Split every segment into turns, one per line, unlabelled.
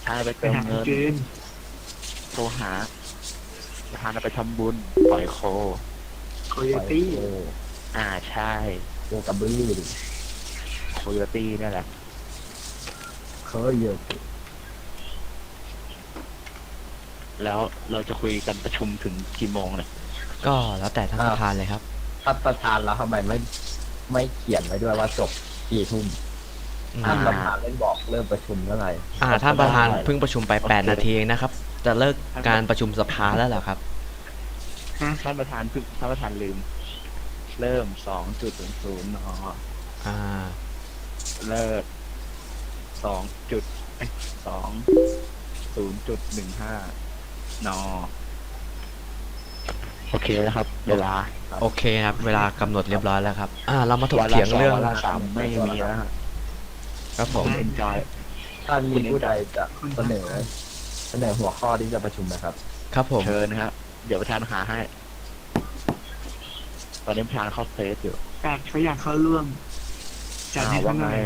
านไปเติมเงินโทรหาประธานไปทำบุญปล่อยโค
โคโยตี้
ใช่
โคกระบือ
โคโยตี้นี่แหละ
เคยเยอะ
แล้วเราจะคุยกันประชุมถึงกี่โมงเนี่ย
ก็แล้วแต่ท่านประธานเลยครับ
ท่านประธานแล้วทำไมไม่เขียนไว้ด้วยว่าจบกี่ทุ่ม ท่านประธานเล่นบอกเริ่มประชุมเมื่อไหร่
ท่านประธานเพิ่งประชุมไป8 นาทีเองนะครับ จะเลิกการประชุมสภาแล้วเหรอครับ
ท่านประธานลืม เริ่ม2:00 น.
อ่า
เลิก20:15 น.โอเคแล้วครับ เวลา
โอเคครับ เวลากำหนดเรียบร้อยแล้วครับ เรามาถกเถียงเรื่อง
วาระสามไม่มีแล้วฮะ
ครับผม
enjoy
ท่านมีผู้ใดจะเสนอหัวข้อที่จะประชุมนะครับ
ครับผม
เชิญนะครับเดี๋ยวประธานหาให้ ตอนนี้ประธานเข้าเฟซอยู่
เขาอยากเข้าร่วมจัดให้
ว่า
เขาห
ไง
น่อย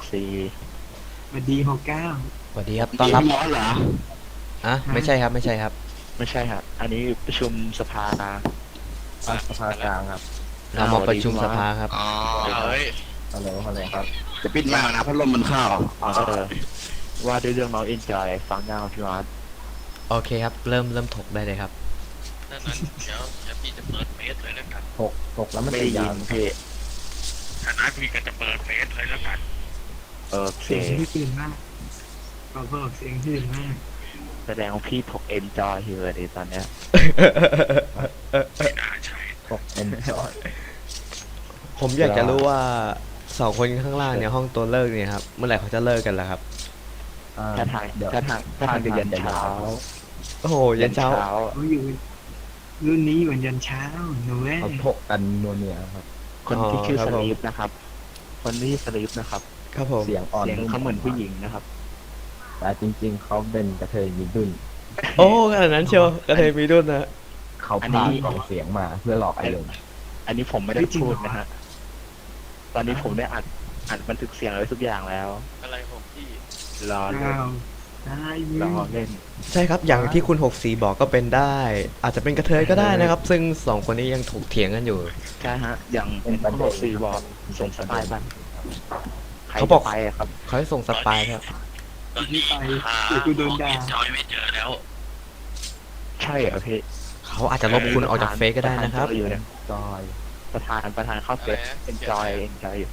64
สวัสดี69
สวัสดีครับ ต้อนรับ
ร้อนเหรอ
ไม่ใช่ครับ ไม่ใช่ครับ
ไม่ใช่ครับ อันนี้ประชุมสภานะ
สภากลางครับ
เรามาประชุมสภาครับ
อ๋อเฮ้ย
ฮัลโหลครับ
จะปิดมากนะพัดลมมันเข้า
ว่าด้วยเรื่องน้อง enjoy ฟังยาวพี่มาร์ท
โอเคครับ เริ่มถกได้เลยครับ
ดังนั้นเดี๋ยวพี่จะเปิดเฟซเลยแล้วกัน
ถกแล้วมัน
ไม่
จะ
ได้ยิ
ยาวน
พี่
ถ้านั้นพี่ก็จะเปิดเฟซเลยแล้วกัน
โอเค
เสียงที่ตื่นมากบอกเสียงตื่นมาก
แสดงว่าพี่ถก enjoy อยู่เลยตอนเนี้ย
ไม่น่าใช่
ถกเอ็นจอย
ผมอยากจะรู้ว่า2 คนข้างล่างเนี่ยห้องตัวเลิกเนี่ยครับ เมื่อไหร่เขาจะเลิกกันล่ะครับ
ถ้าทาง
เดี๋ยว
ถ้าทางจะยันเช้า
โอ้โหยันเช้า
เขาอยู่รุ่นนี้อยู่ยันเช้าหนูเว้ย
เขาถกกันนัวเนียครับ
คนที่ชื่อ
ครับ
ส
ผม
ลีปนะครับ คนที่สลีปนะครับ
ครับผม
เสียงอ่อน
เสียงเขาเหมือนผู้หญิงนะครับ
แต่จริงๆเขาเป็นกระเทยมีดุน
โอ้ขนาดนั้นเชียวกระเทยมีดุนนะ
เขา
อันนี้
พากล่องเสียงมาเพื่อหลอกไอ้ลง
อันนี้ผมไม่ได้พูดนะฮะ ตอนนี้ผมได้อัดบันทึกเสียงไว้ทุกอย่างแล้ว
อะไรของพี่
รอเล่น
ได้ยิ
รอน เล่น
ใช่ครับ อย่างที่คุณ64บอกก็เป็นได้ อาจจะเป็นกระเทยก็ได้นะครับ ซึ่ง2 คนนี้ยังถกเถียงกันอยู่
ใช่ฮะ อย่างคุณบอกสี่บอกส่งสไตล์บ้างใคร
เขาบอก
จะไปอะครับ
เขาให้ส่งสปายครับ
ตอนนี้
ไปเดี๋ยวกูโดนด่า
จอยไม่เจอแล้ว
ใช่เหรอพี่
เขาอาจจะลบคุณออกจากเฟซก็ได้นะครับ
อยู่เนี่ย
จอย
ประธานเข้าเฟซ enjoy อยู่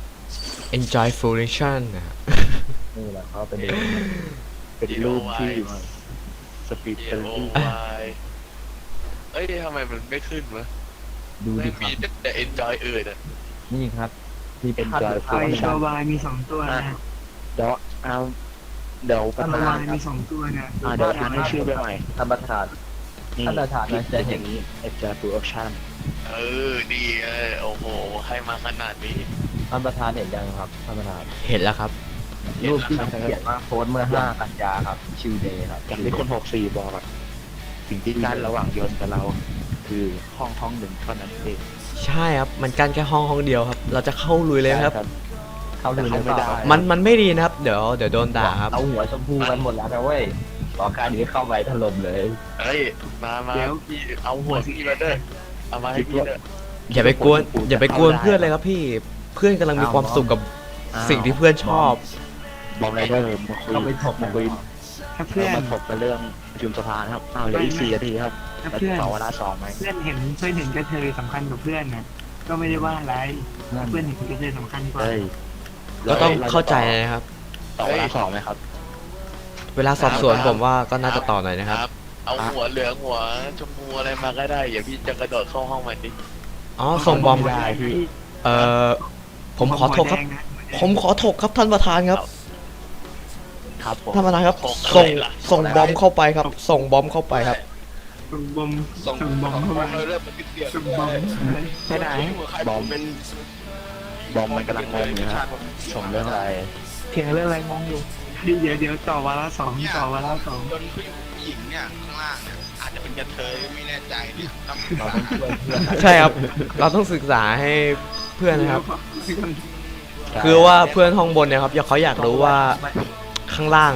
enjoy fruition นะฮะ
นี่แหละเขาเป็น
เป็นรูปที่สปีด
เอ
เป็น
โอ
รูป
วายเอ้ยทำไมมันไม่ขึ้นวะ
ดู
ไม่
ดิครั
มี
บ
แต่ enjoy อื่นอ่ะ
นี่ครับที่
เป็น
พัด
จอย
ไฟตัววายมี2ตัวนะ
เดี๋ยวเอาเดี๋ยวประ
ตัว
ธาน
วายมี2ตัวนะ
เดี๋ยวประธานให้ชื่อไปใหม่
ท่านประธาน
นี่
ท่านประธานน่าจะเห็น
นี้ enjoy production
เออดีโอ้โหให้มาขนาดนี้
ท่านประธานเห็นยังครับท่านประธาน
เห็นแล้วครับ
รูปที่เขียนว่าโพสต์เมื่อ 5 กันยาครับชิวเดย์ครับ
อย่างที่คน64บอกอะสิ่งที่กั้นระหว่างยนต์กับเรา คือห้องหนึ่งเท่านั้นเอง
ใช่ครับ มันกั้นแค่ห้องเดียวครับ เราจะเข้าลุยเลยครับ
เข้าดูเลย
ไม่ได้
มันไม่ดีนะครับ เดี๋ยวโดนด่าครับ
เอาหัวชมพูกันหมดแล้วนะเว้ยรอการนี้เข้าไปถล่มเลย
เฮ้ยมาพี่เอาหัวพี่มาด้วยเอามาให้พี่ด้วย
อย่าไปกวนเพื่อนเลยครับพี่ เพื่อนกำลังมีความสุขกับสิ่งที่เพื่อนชอบ
บอมไรเดอร์มาคุย
เข้าไปถก
มาคุย
ถ้าเพื่อน
มาถกกันเรื่องประชุมสภานะครับเหลืออีก4 นาทีครับ
ถ้า
แล้ว
เพื่อน
ต่อเวลา2ไหม
เพื่อนเห็นกระเทยสำคัญกับเพื่อนนะก็ไม่ได้ว่าอะไรเพื่อนเห็นกระเทยสำคัญกว่า
เฮ้ย
ก็ต้องเข้าใจนะครับ
ต่อเวลา2ไหมครับ
เวลาสอบสวนผมว่าก็น่าจะต่อหน่อยนะครับ
เอาหัวเหลืองหัวชมพูอะไรมาก็ได้อย่าพี่จะกระโดดเข้าห้องมันดิ
อ๋อ ส่งบอม
ได้พี่
ผมขอถกครับ ผมขอถกครับท่านประธานครับ
ครับผม
ท่านประธานครับ
ถกอะไรล่ะ
ส่งบอมเข้าไปครับ ส่งบอมเข้าไปครับ
ส่งบอม
ส่ง
บอมเข้าไป
เริ่มมันติดเสียง
ส่งบอม
ไปไหนบอมเป็นบอมมันกำลังงงอยู่ครับส่งเรื่องอะไร
เถียงเรื่องอะไรงงอยู่เดี๋ยวต่อวาระ2ต่อวาระ2
จนผู้หญิงเนี่ยข้างล่างเนี่ยอาจจะเป็นกระเทยไม่แน่ใจเนี่ยต้อง
เราต้องช่วยเพื่อน
ใช่ครับ เราต้องศึกษาให้เพื่อนนะครับ คือว่าเพื่อนห้องบนเนี่ยครับเขาอยากรู้ว่าข้างล่างอ่ะ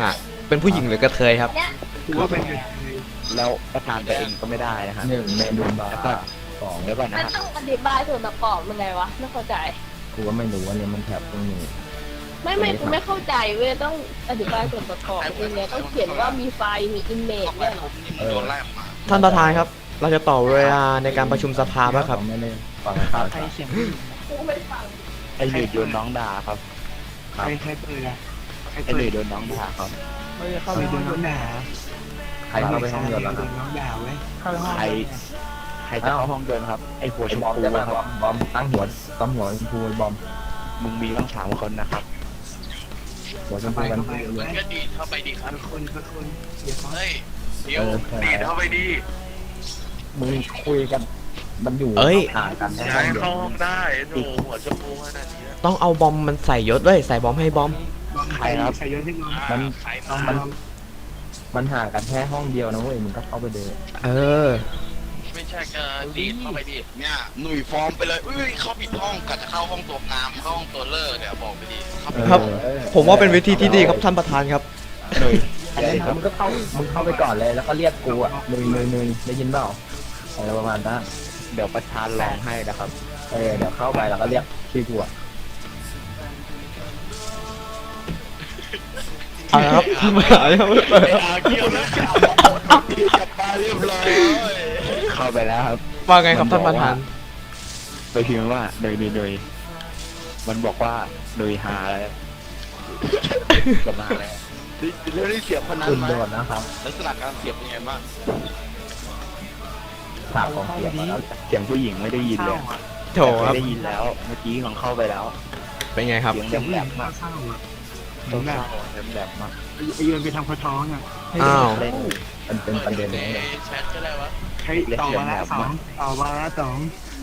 เป็นผู้หญิงหรือกระเทยครับ
กูว่าเป็นเลย
แล้วประธานไปเองก็ไม่ได้นะฮะ
หนึ่งเมนูบา
แล้วก็
ร์สอง
เดี๋ยวก่อนนะ
มัน
ฮะ
ต้องอธิบายส่วนประกอบมันไงวะไม่เข้าใจ
กูก็ไม่รู้ว่าเนี่ยมันแถบตรงนี้
ไม่กูไม่เข้าใจเว้ยต้องอธิบายส่วนประกอบยังไงต้องเขียนว่ามีไฟล์มีอิมเมจเนี่ยเหรอ
ท่านประธานครับ เราจะต่อเวลาในการประชุมสภาป่ะครับ
ไม่ได้ฟังข่าว
ใครเสียง
กูไม่ฟัง
ไอ้หนุ่ยโดนน้องด่าครับ
ใครเปิดอะใคร
ไอ้ห
เปิ
นุ่ย
ด
โดนน้องด่าครับ
เข้าไปโดนน้องด่า
ใครเข้าไปห้องเดียวแล้ว
โด
ครับ
นน้องด่าเว้ยเข้าไปห้อง
ใครใครจะเข้าห้องเดินครับ ไอ้หัว
ไอ้
ชม
บอม
พู
จะมา
ครับ
บอมตั้งหัวชมพูบอม
มึงมีต้อง3 คนนะครับ
หัวชม
ไป
พูกัน
เข้าไป
เย
เว้
อะ
ย
ก็ดีเข้าไปดีครับ
คนเดี๋ยวเขา
เฮ้ยเดี๋ยวดีเข้าไปดี
มึงคุยกันมันอยู่
เอ้ย
ห่างกันแค่
ย้า
ห้อย งเดียว
เข้าห้องได้หนูหัวชมพูขนาดนี้
ต้องเอาบอมมันใส่ยศด้วยใส่บอมให้บอม
ใครครับใครยศที่น้อง
ใคร
น้อง
มา
มันห่างกันแค่ห้องเดียวนะเว้ยมึงก็เข้าไปเดิน
เออ
ไม่ใช่ก็ดีเข้าไปดี
เนี่ยหนุ่ยฟอร์มไปเลยอุ้ยเข้าผิดห้องกัจะเข้าห้องตัวงามเข้าห้องตัวเลิศเนี่ยบอกไปดิเข้าไป
ครับ
เออ
ผมว่าเป็นวิธีที่ดีครับท่านประธานครับ
หนุ่ย
อันนี้มึงก็เข้ามึงเข้าไปก่อนเลยแล้วก็เรียกกูอ่ะนุยได้ยินเปล่าอะไรประมาณนั้น
เดี๋ยวประธานลองให้นะครับ
เดี๋ยวเข้าไปแล้วก็เรียกชื่อกูอ่ะ
เอาละครับท่านประธานครับ
เกี่ยวแล้วจับจับมาเรียบร้อย
เข้าไปแล้วครับ
ว่าไงครับท่านประธาน
โดยพิมพ์ว่าโดยมันบอกว่าโดยหาอะไรประมาณอะไร
แล้วได้เสียบคนนั้น
คุณ
ไหม
โดนนะครับ
ลักษณะการเสียบเป็นไงบ้าง
ฉากของเสียงมาแล้ว
เสียงผู้หญิงไม่ได้ยินเล
เข้าย อ่ะ
โถครับ
ไม่ได้ยินแล้ว เมื่อกี้ของเข้าไปแล้ว
เป็นไงครับ
เสียง
เสียงผู้
แห
ห
ล
ญิง
มๆมาก
เข้าอ่ะเหมื
ต้
อ
อน ง
แบบ
เข้าแหลมๆมาก
ไอ้โยนไปทำข้อท้องอ่ะ
อ้าว
เล่น
มันเป็นประเด็น
ใน
เลย
แชทก็ได้วะ
ใช้ต่อวาระสองต่อวาระสอง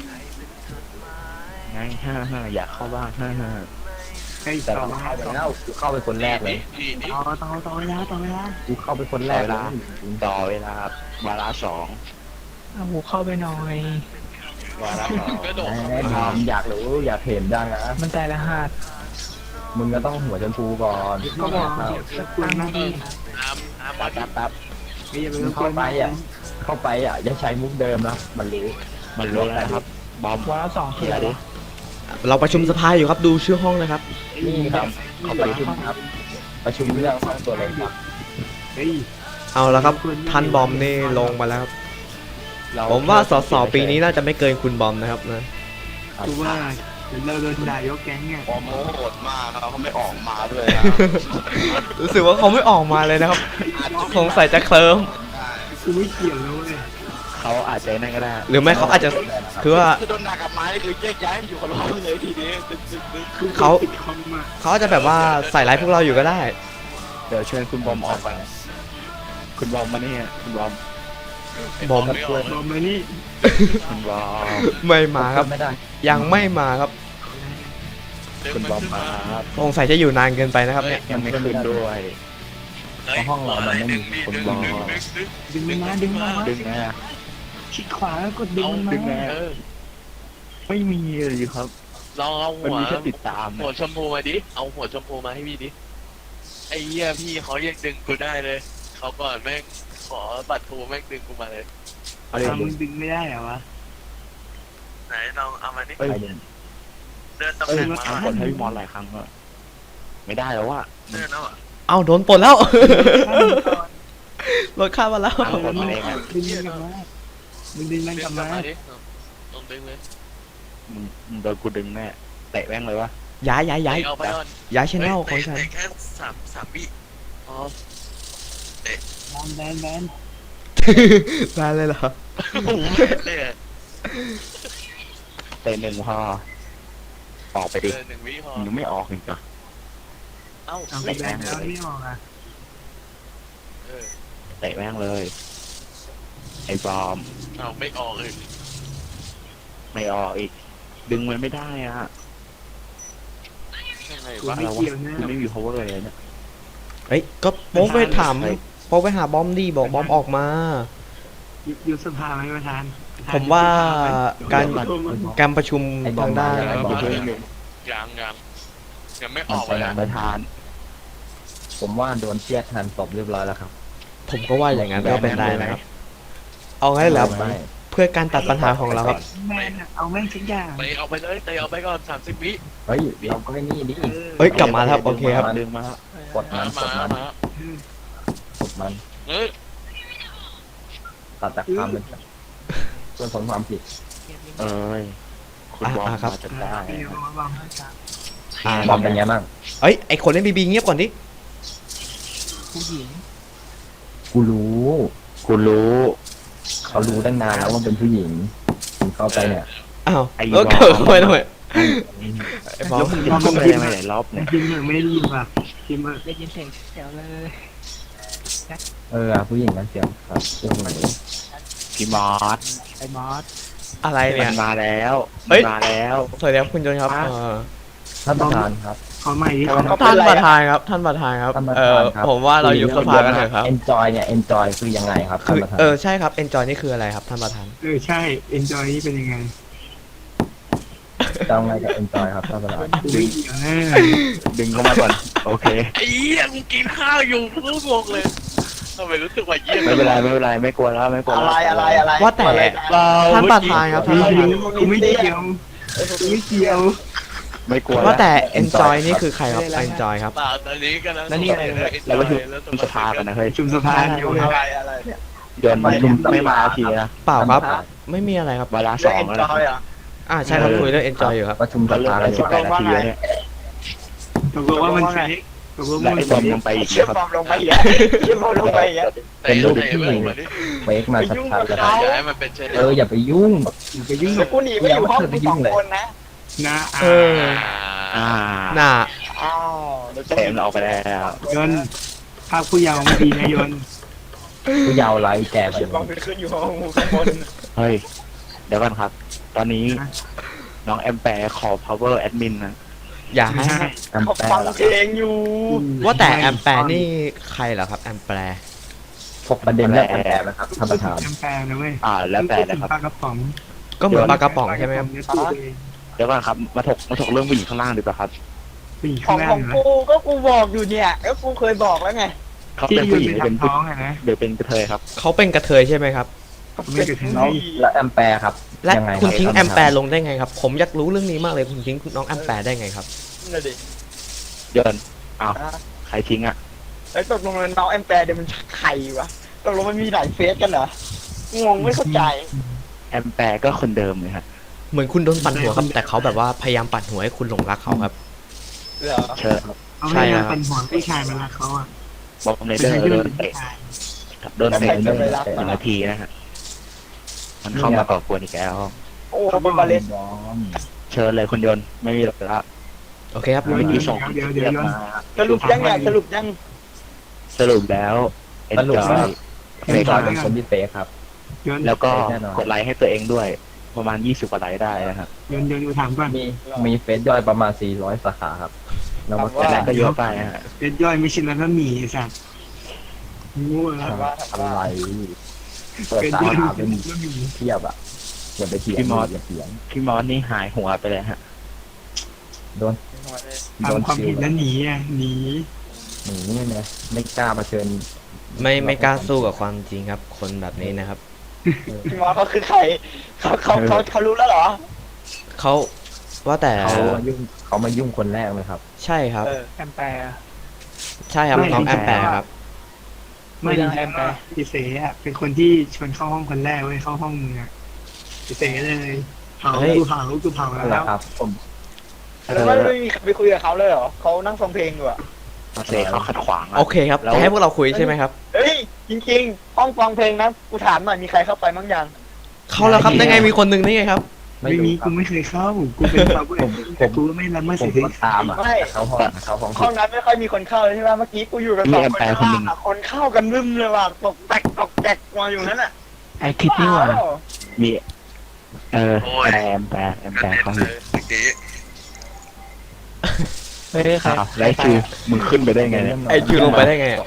ไง55อยากเข้าบ้าง55
ใช้
แต่
ต่อ
เรา
วา
เข้า
ระ
ไป
สอง
แล้วกูเข้าไปคนแรกเลย
ดี
ต่อเวลาต่อเวลา
กูเข้าไปคนแรกเลย
ต่อเวลา วาระ2
เอาหูเข้าไปหน่อย
วาระ2
ก็โดด
ไอ้บอมอยากรู้อยากเห็นดังนะ
มันใจละหัส
มึงก็ต้องหัวชมพูก่อน
ก็บอกคุณนะพี่
อาร์ม
แป๊บ
ไม่อย่าไป
มึง
รบกว
เข้าน ไปอย่าใช้มุกเดิมนะมันรู้
มันรู้แล้วนะครับ บอม
วาระสอง
เขียนดิ
เราประชุมสภาอยู่ครับดูชื่อห้องนะครับ
นี่ครับเข้าไปประชุมครับ ประชุมเรื่องห้องตัวเล็กครับ
เฮ้ย
เอาละครับท่านบอมนี่ลงมาแล้วครับ
เร
ผมว่าสสปีนี้น่าจะไม่เกินคุณบอมนะครับนะ
กูว่าเดี๋ยวเราโดนด่ายกแก๊งเนี่ย
ฟอร์มโหดมากครับเขาไม่ออกมาด้วยนะ
รู้สึกว่าเขาไม่ออกมาเลยนะครับ สงสัยจะเคลิ้ม
กูไม่เกี่ยวแล้วเว้ย
เขาอาจจะนั่นก็ได้
หรือไม่เขาอาจจะคือว่า
คือโดนหนักกับไม้คือแยกย้ายอยู่คนละห้องเลยทีนี้ตึ๊ด
คือ
เขา
ปิดคอมอ่ะ
เขาอาจจะแบบว่าใส่ร้ายพวกเราอยู่ก็ได้
เดี๋ยวเชิญคุณบอมออกไป คุณบอมมาเนี่ยคุณบอม
บอม
ไม่ออก
บอมมานี่
คุณบอม
ไม่มาครับ
ไม่ได้
ยังไม่มาครับ
คุณบอมมาครับ
สงสัยจะอยู่นานเกินไปนะครับเนี่ย
ยังไม่ขึ้นด้วย
ห้องเรามันไม่มี
คนบอม
ดึงมันมาดึงมันมา
ดึงนะ
คลิกขวาแล้วกดดึงมันมา
ดึงนะ
เออ
ไม่มีเลยครับ
ลองเอา
มัน
หัว
มีแค่ติดตาม
หัวชมพูมาดิเอาหัวชมพูมาให้พี่ดิไอ้เหี้ยพี่เขายังดึงกูได้เลยเขาก่อนแม่งขอบัตรทูแม่งดึงกูมาเลย
เอาเลย
มึงดึงไม่ได้เหรอวะ
ไหนลองเอามาดิ
เอ้ย
เดินตำ
เอ้
แห
ย
น่งมา
ทำกดให้พี่มอนหลายครั้งก็ไม่ได้แล้วว่ะ
เดินแล้วอ่ะ
เอาโดนปลดแล้ว ลดค่ามาแล้ว
ทำกดมาเองอะ
ดึงมันกลับมามึงดึงมัน
ดึ
กลั
ง
บ
กลับ
มา
มาดิลองดึงเลย
มึงโดนกูดึงแน่เตะแม่งเลยวะ
ย้าย
เอาไปก่อน
ย้ายช่องของฉัน
เตะแค่สามวิอ๋อ
แบน
ได้เลยเหรอ
โอ้โหเลยอะ
เตะหนึ่งพอออกไปดิ
หนึ่งวิพอ
มึงไม่ออกอีกเหรอ
เอ้า
เอาไปแบนแล้วไม่ออกอ่ะ
เออ
เตะแม่งเลย ไอ้บอม
เอาไม่ออกเลย
ไม่ออกอีก ดึงมันไม่ได้อ่ะ
ยังไง
กู
วะ
ไม่เกี่ยวนะ
มันไม่มี power เลยเนี่ย
เฮ้ยก็โป๊ไปถามโป๊ไปหาบอมดิบอกบอมออกมา
ยุบสภาไหมประธาน
ผมว่าการประชุมทางด้าน
ยังยังไม่ออกเลย
ประธาน
ผมว่าโดนเชี่ยทันศพเรียบร้อยแล้วครับ
ผมก็ว่าอย่างนั้นก็เป็นได้นะครับ เอางั้นแล้ว
ไม่
เพื่อการตัดปัญหาของเราครับ
แม่งอะเอาแม่งทุกอย่าง
ไปเอาไปเลยเตะเอาไปก่อน30 วิ
เฮ้ยเราก็ไม่นี่ดิ
เฮ้ยกลับมาแล้วครับโอเคครับ
ดึงมาแล้ว
กดมันกดมันกดมัน
เฮ้ย
ตัดจากความเป็นส่วนผลความผิด
เอ้ยคุณบอล
ครับ
มาจะได้
เดี๋ยวเอาวาง
บอมเป็นไงบ้าง
เอ้ยไอคนเล่นบีบีเงียบก่อนดิ
ผู้หญิง
กูรู้
คุณรู้
เขารู้ตั้งนานแล้วว่าเป็นผู้หญิงคุณเข้าไปเนี่ย
อ้าว
ไอ้
แล้ว
บอล
เกิดทำไมไอ้บอ
แล้
ล
วมึงจะพูดอะไรมาหลายรอบ
มั
เนี่
น
ย
พิมพ์เหมือนไม่ได้ยินป่ะพิมพ์ได้ยินเสียงแถวเลย
ผู้หญิงนั้นเสียงครับเสียงไหน
พี่มอส
ไอ้มอส
อะไร
มั
เนี่ย
นมาแล้ว
เฮ้ย
มาแล้ว
สวัสดีครับคุณโจนครับ
ท่านประธานครับ
ขอใหม่ดิ
ท่านประธานครับท่านประธานครับ
ท่านประธานครับ
ผมว่าเรายุบสภากันเถอะครับ
enjoy เนี่ย enjoy คือยังไงครับท่า
คื
น
อ
ประธาน
ใช่ครับ enjoy นี่คืออะไรครับท่านประธาน
ใช่ enjoy นี่เป็นยังไง
จะเอาไงกับ enjoy ครับท่านประธาน
กูไม่เกี่ยวแน่
ดึงเข้ามาก่อนโอเค
ไอ้เหี้ยกูกินข้าวอยู่กูงงเลยทำไมรู้สึกว่าเยี่ยม
ไม่เป็นไรไม่เป็นไรไม่กลัวแล้วไม่กลัวแล้ว
ว่าแต่ท่านประธานครับท่านประธาน
กูไม่เกี่ยวกูไม่เกี่ยว
ไม่กลัว
ว่าแต่
แล้ว
enjoy นี่คือใครครับ enjoy ครับ
เปล่าตอนนี้กันนะ
นั่นนี่อะไรเราไปชุมสภากันนะเฮ้ย
ชุมสภาอยู่
เดินมันไม่มาทีนะ
เปล่าครับ ไม่มีอะไรครับ
วาระสองแล้วนะ
ใช่ครับคุยเรื่อง enjoy อยู่ครับ
ประชุมส
เราเริ่ม
ภา
ไป
กันอยู่
18 นาทีแล้วเนี่ย
ตกลงว่ามันเฟกตกลง
และ
ว่ามั
ไอ้
น
บอม
เฟ
ยั
ก
งไปอีกนะครับ
เป็นรูปที่เฟกมาชัดๆแล้วครับ
อย่าให้มันเป็นเช่น
อย่าไปยุ่ง
อย่าไปยุ่งกับ
กูหนีไปอยู่ห้องมึงสองคนนะ
นะ
เออ
อ่า
น่า
อ้าว
เต็มออกไปแล้ว
ยนต์ภาพผู้เยาว์ไม่ดีนะยนต์
ผู้เยาว์ไร้แก่ไป
เดี๋ยวบอลไปขึ้นอยู่ห้องมึงข้างบน
เฮ้ยเดี๋ยวก่อนครับ ตอนนี้น้องแอมแปร์ขอ power admin นะ
อย่าให้
ใช่
น้ำ
เขา
แป้
ฟั
ง
ง
เหรอ
เพลงอยู่
ว่าแต่แอมแปร์นี่ใครเหรอครับแอมแปร์
พกประเด็นเรื่องแอมแปร์นะครับท่านประธาน
จำแปลนะเว้ย
แล้วแต่นะครับ
ปลากระป๋อง
ก็เหมือนปลากระป๋องใช่ไหมครับ
เนื้อตัวเอง
เดี๋ยวก่อนครับมาถกเรื่องผู้หญิงข้างล่างดีกว่าครับ
ผู้หญิง
ข
ข้า
อง ง
ล่า
ของ ง
เหรอ
กูก็กูบอกอยู่เนี่ยก็กูเคยบอกแล้วไง
เขา
ที่
เป็น
ย
ผู้
น
หญิ
ต์
ง
ไป
หรือเป็น
ทำ
ผู้
ท้องอะนะ
หรือเป็นกระเทยครับ
เขาเป็นกระเทยใช่ไหมครับ
ไม่กระเทย
แล้วแอมแปร์ครับ
และ
ยังไง
คุณทิ้ง
รับ
แอมแปร์ลงได้ไงครับ ผมอยากรู้เรื่องนี้มากเลยคุณทิ้งน้องแอมแปร์ได้ไงครับ
นั่นดิ
เดินอ้าวใครทิ้งอ่ะ
แล้วตกลงน้องแอมแปร์เดี๋ยวมันใครวะตกลงมันมีหลายเฟซกันเหรองงไม่เข้าใจ
แอมแปร์ก็คนเดิมเลยฮะ
เหมือนคุณโดนปั่นหัวครับ แต่เขาแบบว่าพยายามปั่นหัวให้คุณหลงรักเขาครับ
เหรอ
เชิญ
เอาไม่ได้เป็นห่วงพี่ชายมาละเขาอ่ะ
บอมเนเดอร์โดนเตะโดนเตะหนึ่งนาทีนะฮะมันเข้ามาก่อกวนอีกแล้ว
โอ้เป็นบาเลน
บอม
เชิญเลยคุณยนต์ไม่มีหรอกละ
โอเคครับ
เมื่อกี้ส่ง
เดี๋ยว
เรียกมา
สรุปยังไงสรุปยัง
สรุปแล้วเอ็น
สรุป
จอ
ว่าย
เฟ
เฟ
ก
กเป็นคนที่เฟกครับ
ยนต์
แล้วก็
แน่นอน
กดไลค์ให้ตัวเองด้วย ประมาณ20กว่าไลค์ได้นะครับ
ยนต์กูถามก่อน
มีเฟซย่อยประมาณ400สาขาครับเรามา
แต่นั้นก็เยอะไปฮะ
เป็นย่อยไม่ใช่แล้วก็หมี่สัตว์งูอะไร
อะไรเปิด
เป็น
สา
ย่อย
ขา
เป็
เป็น น
บะหมี่
เทียบอ่ะอย่าไปเถียงอย่าเถียง
พี่มอสนี่หายหัวไปเลยฮะ
โดน
ทำความผิดแล้วหนีอ่ะหนี
หนีเนี่ยไม่กล้าเผชิญ
ไม่กล้าสู้กับความจริงครับ คนแบบนี้นะครับ
พี่มอสเขาคือใครเขารู้แล้วเหรอ
เขาว่าแต่
เขามายุ่งคนแรกเลยครับ
ใช่ครับ
แอมแปร์
ใช่ครับน้องแอมแปร์ครับ
ไม่ได้แอมแปร์พี่เสอ่ะเป็นคนที่ชวนเข้าห้องคนแรกเว้ยเข้าห้องมึงอ่ะพี่เสเลยเผา
เฮ้ย
กูเผาแล้
นั่นแหละ
ว
ครับผม
แล้วไม่มีใครไปคุยกับเขาเลยเหรอเขานั่งฟังเพลงอยู่อะ
เซเขาขัดขวางอะ
โอเคครับ
แล้ว
จะให้พวกเราคุยใช่ไหมครับ
เฮ้ยจริงๆห้องฟังเพลงนะกูถามหน่อยมีใครเข้าไปบ้างยัง
เขาแล้วครับได้ไงมีคนหนึ่งได้ไงครับ
ไม่มีกูไม่เคยเข้ากูเป็นฟาเวอร์แต่กูไม่รับมา
ผ
เสี
ม
ย
ก็ตามอ่ะเขาห้อง
ห้องนั้นไม่ค่อยมีคนเข้าเลยใช่ไหมเมื่อกี้กูอยู่กับสองคนข้างล่างอะคนเข้ากันรึมเลยว่ะตกแตกมาอยู่นั่นน่ะ
ไอทิศนี่หว่า
มีแอมแปร์เขาอยู่
เมื่อกี้
ไม่ได้ครับไลฟ์คือมึงขึ้นไปได้ไงเนี่ย
ไอคิวลงไปได้ไงอะ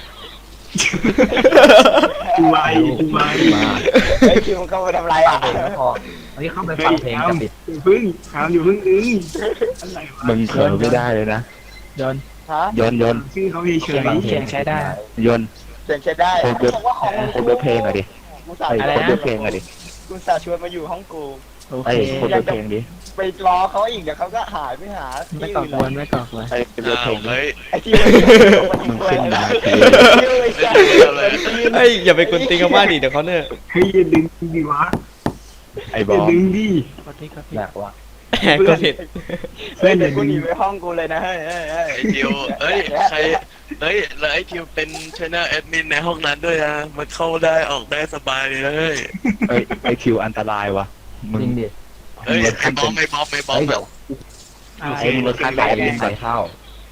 กูไว
มา
ไอ้คิวมันเข้าไปทำไรอ่ะ
พออันนี้เข้าไปฟังเพลงจะปิด
พึ่งเอาอยู่พึ่งอะไรวะ
มึงเผลอไม่ได้เลยนะ
ยน
ฮะ
ยนต์ยนต์
ชื่อเขาเฉย
เขียนใช้ได้
ยนต์
เสียงใช้ได้
โคตรเว็บ
บอกว่าของ
โคตรเว็บเพลงอะดิ
กูสา
ไอ้
ห์
โคตรเว็บเพลงอะดิ
กูสาห์ชวนมาอยู่ห้องกู
ๆโอ
ไอ้
เค
โคตรเว็บเพลงดิ
ไปรอเขาอีกเดี๋ยวเขาก็หายไปหาที่
ไม่ก่อ
อื่น
กวนไม่ก่อกวน
ไอ้เว็บเพลงดิ
เฮ้ย
ไอ้ที่มัน
มึงขึ้นมาที
เฮ้ยอย่าไปกวนตีนกันบ้านดิเดี๋ยวเขาเนี่ย
เฮ้ยอย่าดึงดิวะ
ไอ้บ
อย่า
อม
ดึงดิ
อยากว่า
ก็ผิด
เฮ้ยเดี๋ยวกูหนีไปห้องกูเลยนะเฮ้ยเฮ้ยเฮ้ย
ไอ้ทิวเอ้ยใครเฮ้ยแล้วไอ้ทิวเป็นชแนลแอดมินในห้องนั้นด้วยนะมันเข้าได้ออกได้สบายเลย
เอ้ยไอ้คิวอันตรายวะมึง
จริงดิ
เฮ้ยไอ้บอมไอ้บอมไอ้บอม
เฮ้ยเดี๋ยว
ไอ้มึงรถขั้นไหน
ใส่
ลิ้นไป
ใส่เข้า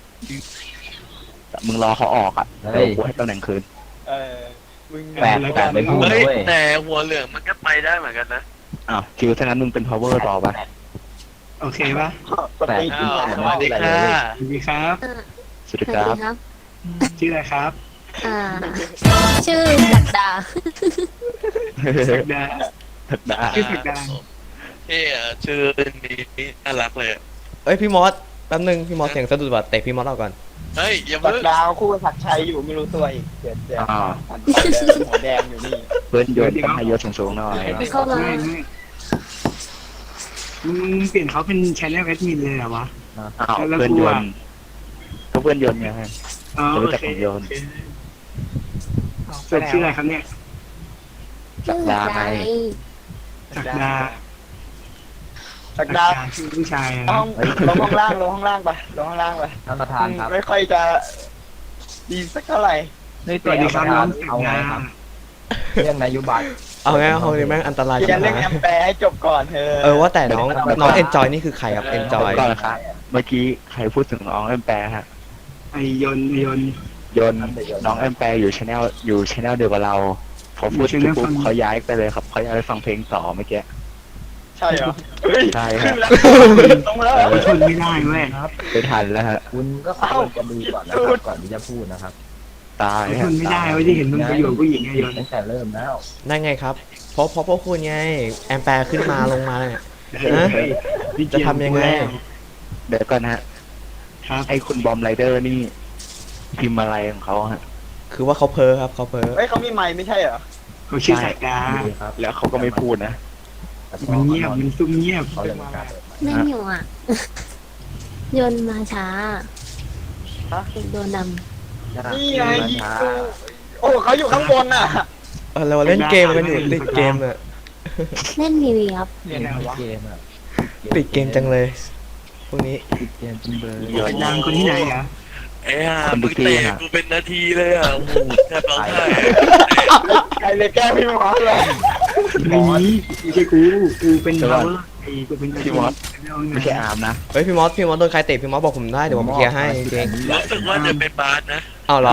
มึงรอเขาออกอ่ะ
เฮ้
เดี๋ย
ย
วกูให้ตำแหน่งคืน
เออมึง
แปลกแปลกไม่พูด
เฮ้ย
เว้ย
แต่หัวเหลืองมันก็ไปได้เหมือนกันนะ
อ้าวคิวถ้างั้นมึงเป็น power ต่อไป
โอเคปะ
สปีด
อ้าวสวัสดีค่ะ
สวัสดีครับ
สวัสดีครับ
ชื่ออะไรครับ
ชื่อศักดา
ศักดา
ถักดา
ชื่อศักดา
เท่อะชื่อนี้น่ารักเลยอะ
เอ้ยพี่มอสแป๊บนึงพี่มอสเสียงสะดุดว่ะเตะพี่มอสออกก่อน
เฮ้ยอย่า
สั
เพิ่
ก
ง
ดาวคู่กับศักดิ์ชัยอยู่ไม่รู้ตัวอีกเดี๋ยว
อ้าว
หัวแดงอยู่นี่
เพื่อนยนต์ต้องให้ยศสูงๆหน่อย
ไม่เข้ามา
ไม่มึงเปลี่ยนเขาเป็นชแนลแอดมินเลยเหรอวะ
อ้าวเพื่อนยนต์ก็เพื่อนยนต์ไง
อ๋อ
จะ
โอ
รู้จัก
เค
ของโยน
เป็นชื่ออะไรครับเนี่ย
สักดาไง
ศักดา
สักดาว
ชื่อผู้ชาย
ล
นะ
งลงห้องล่างลงห้องล่างไปลงห้องล่างไป
ท่านประธานครับ
ไม่ค่อยจะดีสักเท่าไหร่
สวัสดีครับน้องศักดา
เรื่องนโยบาย
เอาไงห้องนี้แม่งอันตราย
เรี
จั
ยน
ง
เรื่องแอ
นะ
มแปร์ให้จบก่อนเธอ
ว่าแต่น้องเอนจอยนี่คือใครครับเอนจอย
ก่อนนะครับ เมื่อกี้ใครพูดถึงน้องแอมแปร์ฮะ
ไอยนต์
ยนต์น้องแอมแปร์อยู่ชแนลเดียวกับเราพอพูดถึงปุ๊บเขาย้ายไปเลยครับเขาย้ายไปฟังเพลงต่อเมื่อกี้
ใช่เหรอเฮ้ย
ใช่ค
ขึ้
รับ
นแล้วตรงแล้ว
เขาทนไม่ได้เว้ย
ไปทันแล้วฮะ
คุณก็ควรจะดูก่อนนะครับก่อนที่จะพูดนะครับ
ตาย
เขาท
ฮะ
นไม่ได้เว้ยที่เห็นมึงไปอยู่กับผู้หญิงไงยนต์
ตั้งแต่เริ่มแล้ว
นั่นไงครับเพราะพวกคุณไงแอมแปร์ขึ้นมาลงมาเนี่ย จะทำยังไง
เดี๋ยวก่อนนะฮะ
ครับ
ไอ้คุณบอมไรเดอร์นี่พิมพ์อะไรของเขาฮะ
คือว่าเขาเพ้อครับเขาเพ้อ
เฮ้ยเขามีไมค์ไม่ใช่เหรอ
เขาชื่อศักดา
ดีครับ
แล้วเขาก็ไม่พูดนะ
มันเงียบมันซุ่มเงียบ
เขาเลยไม่กล้าเปิดไมค์
ไม่อยู่อ่ะ ยนต์มาช้าโดนด
นี่ไงยิงกูโอ้เขาอยู่ข้างบนน่ะ
เราเล่นเกมกันอยู่ติดเกมอะ
ำเล่นทีวีครับ
เล่นเกมอ่ะ
ติดเกมจังเลยพวกนี้
ติดเกมจริงเลย
ศักดาคนที่ไหนเหรอ
ไอ้ห่ามึงเตะกูเป็นนาทีเลยอ่ะโอ้โหแทบร้องไห้
ใครเลยแกล้งพี่หมอเลย
ไม่มีไม่ใช่กูเป็นเราไอ้กูเป็น
พี่มอสไม่ใช่อาร์มนะ
เฮ้ยพี่มอสโดนใครเตะพี่มอสบอกผมได้เดี๋ยวผมเคลียร์ให้จริง
รู้สึกว่าจะเป็นบาสนะ
ๆเอาเหรอ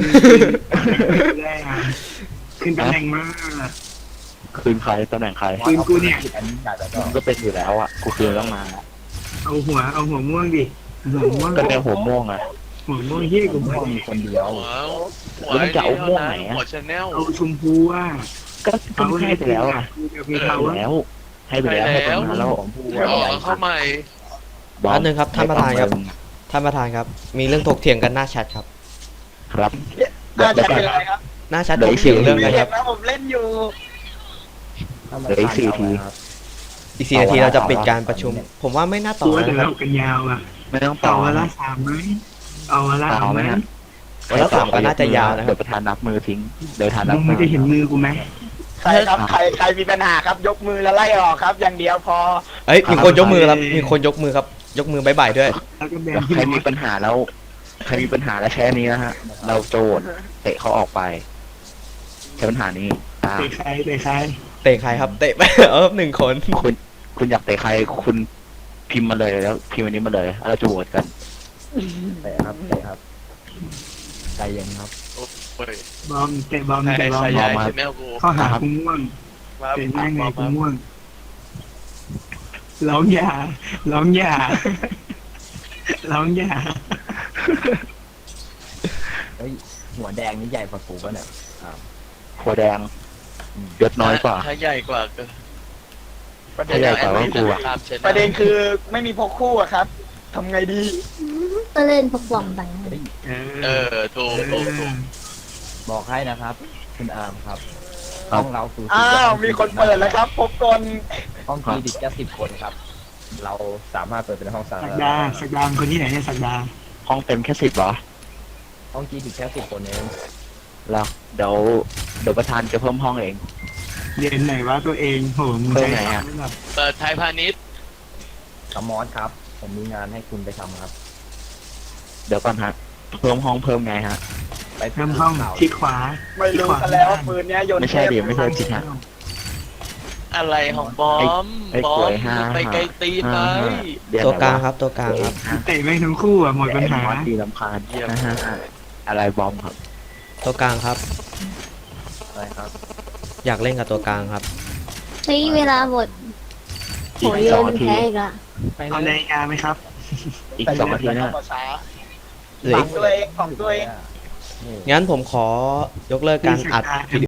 ขึ้นตำแหน่งมาก
คืนใครตำแหน่งใคร
คืนกูเนี่ย
อันนี้อยากจะ
มันก็เป็นอยู่แล้วอ่ะกูคืนต้องมา
เอาหัวม่วงดิหัวม่วง
ก็แนวหัวม่วงอ่ะ
หัวม่วงที่กู
ผม
ไม่
ว่ามีคนเดียว
หัวหัวชาแนล
เอาชมพูอ่ะ
ก็ให้ไปแล้วอ่ะ
มี
ให้
เขา
ไป
ว่า
แล้ว ให้ไปแล้วให้ไปมาแล้ว
ผมพูด
อ๋อเข้าใหม่
บอ
อั
ม
นหนึ่งครับท่านประธานครับท่านประธานครับ มีเรื่องถกเถียงกันหน้าแชทครับ
ครับ
น่าจะเป็นอะไรครับ
หน้าแชทถกเถียงเรื่องกันครับ
นะผมเล่นอยู่
อีก4 นาทีเราจะปิดการประชุม ผมว่าไม่น่าต่
ตั
อ
วแต่
นะค
เรา
รับ
กันยาวอ่ะ
ไม่ต้อง
ต่
ต่
อ
อ
วันละ3ไหมเอาวันละ
ต่อไหมฮะ
วันละ2ก็น่าจะยาวนะค
เดี๋
รั
ย
บ
วประธานนับมือทิ้งเดี๋ยวประธานนั
มึ
บ
ง
มื
ไม่
อ
ได้เห็นมือกูไหม
ใครครับใครมีปัญหาครับ ยกมือแล้วไล่ออกครับ อย่างเดียวพอ
เอ้ยมีคนยกมือครับมีคนยกมือครับ ยกมือบายบายด้วย
แล้วก็แบ
แล้ว
นที่
ใคร
ม
มี
อส
ปัญหาแล้วใครมีปัญหาแล้วแค่นี้นะฮะ เราโจทย์เตะเขาออกไปใช้ปัญหานี้อ่า
เตะใคร
เตะใครครับเตะไป 1 คน
คุณอยากเตะใครคุณพิมพ์มาเลยแล้วพิมพ์อันนี้มาเลยแล้วเราจะโหวตกัน
เตะครับใจเย็นครับ
โอ้ย
บอมเตะบอม
ใคร
เตะบอม
ใครย้ายชาแนลกู
ข้อหากูม่วง
มา
เป็นยังไงกูม่วงร้องอย่าร้องอย่าร้องอย่า
เฮ้ยหัวแดงนี่ใหญ่กว่ากูป่ะเนี่ย
หัวแดงยศน้อยกว่า
ถ้าใหญ่กว่าก็
ถ้าใหญ่กว่าก็กลัว
ตามชแนล
ประเด็นคือไม่มีพกคู่อะครับ ทำไงดี
ก็เล่นพวกกล่องไป
ถูกถูกถูก
บอกให้นะครับ คุณอาร์มครับ
ครั
ห้
บ
องเราสู
อ้าวมีคนเปิดแล้วครับพบกล
ห้องทีดิแค่10 คนครับ เราสามารถเปิดเป็นห้องสา
สั
ธาก ร
ดา
ณะ
สักดาคนที่ไหนเนี่ยสักดา
ห้องเต็มแค่10เหรอ
ห้องทีดิแค่10 คนเอง
แล้วเดี๋ยวประธานจะเพิ่มห้องเอง
เรียนไหนว่าตัวเองโหมึง
เพิ่
ใช้
มไหนอะ
ไม่แบบ
เปิดไทยพาณิชย์
สมอสครับ ผมมีงานให้คุณไปทำครับ
เดี๋ยวก่อนฮะเพิ่มห้องเพิ่มไงฮะ
ไป
เริ่มห้องที่ขวา
ไม่รู้กันแล้วว่าปืนเนี้ยโยน
ไม่ใช่ดิไม่ใช่ผิดฮะ
อะไรของบอม
ไอ้
บอก
ล้วย
ม
ห้า
ไปไกลตีนไหม
เดี๋ย
ตัวกลาง
ไหน
ครับตัวกลางครับ
เตะแม่งทั้งคู่อ่ะหมดปัญหา
ไอ้มอสตีลำพานอะไรบอมครับ
ตัวกลางครับ
อะไรครับ
อยากเล่นกับตัวกลางครับ
ใช้เวลาหมดโห
อีก
โย
2
น
นาที
แพ้อีกละ
เอานาฬิกาไหมครับ
อีก2 นาทีนะ
เหลือ
ฝั
อี
ง
ก
ตัวเองของตัวเอง
นี่
งั้นผมขอยกเลิกการอัดวิดี